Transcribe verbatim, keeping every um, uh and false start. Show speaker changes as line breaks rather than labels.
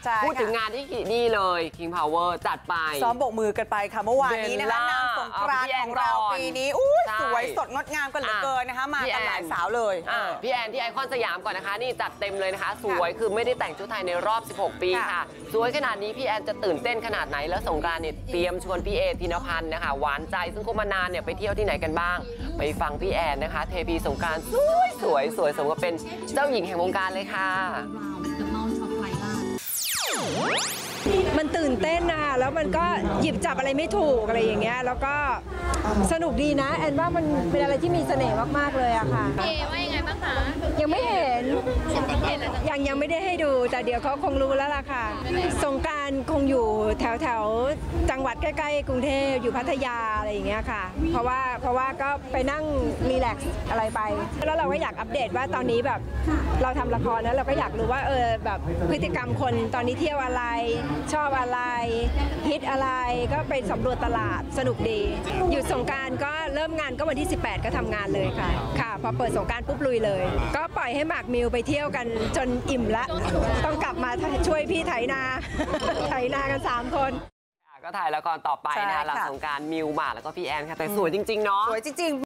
พูดถึงงานที่นี่เลย King Power จัดไป
ซ้อมโบกมือกันไปค่ะเมื่อวานนี้นะคะนางสงกรานต์ของเราปีนี้อุ้ยสวยสดงดงามกันเหลือเกินนะคะมากันหลายสาวเลย
พี่แอนที่ไอคอนสยามก่อนนะคะนี่จัดเต็มเลยนะคะสวยคือไม่ได้แต่งชุดไทยในรอบสิบหกปีค่ะสวยขนาดนี้พี่แอนจะตื่นเต้นขนาดไหนแล้วสงกรานต์เนี่ยเตรียมชวนพี่เอธินพันธ์นะคะหวานใจซึ่งคบมานานเนี่ยไปเที่ยวที่ไหนกันบ้างไปฟังพี่แอนนะคะเทพีสงกรานต์สวยสวยสวยสมกับเป็นเจ้าหญิงแห่งวงการเลยค่ะ
มันตื่นเต้นนะคะแล้วมันก็หยิบจับอะไรไม่ถูกอะไรอย่างเงี้ยแล้วก็สนุกดีนะแอนว่ามันเป็นอะไรที่มีเสน่ห์มากๆเลยอะค่ะ
เอว่ายังไงบ้างคะ
ยังไม่เห็นยังยังไม่ได้ให้ดูแต่เดี๋ยวเขาคงรู้แล้วล่ะค่ะสงกรานต์คงอยู่แถวแถวจังหวัดใกล้ๆกรุงเทพอยู่พัทยาอะไรอย่างเงี้ยค่ะเพราะว่าเพราะว่าก็ไปนั่งรีแลกซ์อะไรไปแล้วเราก็อยากอัปเดตว่าตอนนี้แบบเราทำละครแล้วเราก็อยากรู้ว่าเออแบบพฤติกรรมคนตอนนี้เที่ยวอะไรชอบอะไรฮิตอะไรก็ไปสำรวจตลาดสนุกดีหยุดสงกรานต์ก็เริ่มงานก็วันที่สิบแปดก็ทำงานเลยค่ะค่ะพอเปิดสงกรานต์ปุ๊บลุยเลยก็ปล่อยให้หมากมิวไปเที่ยวกันจนอิ่มละต้องกลับมาช่วยพี่ไถนาไถนากันสามคน
ก็ถ่ายละครต่อไปนะคะหลังสงกรานต์มิวหมากแล้วก็พี่แอนค่ะแต่สวยจริงๆเนาะ
สวยจริง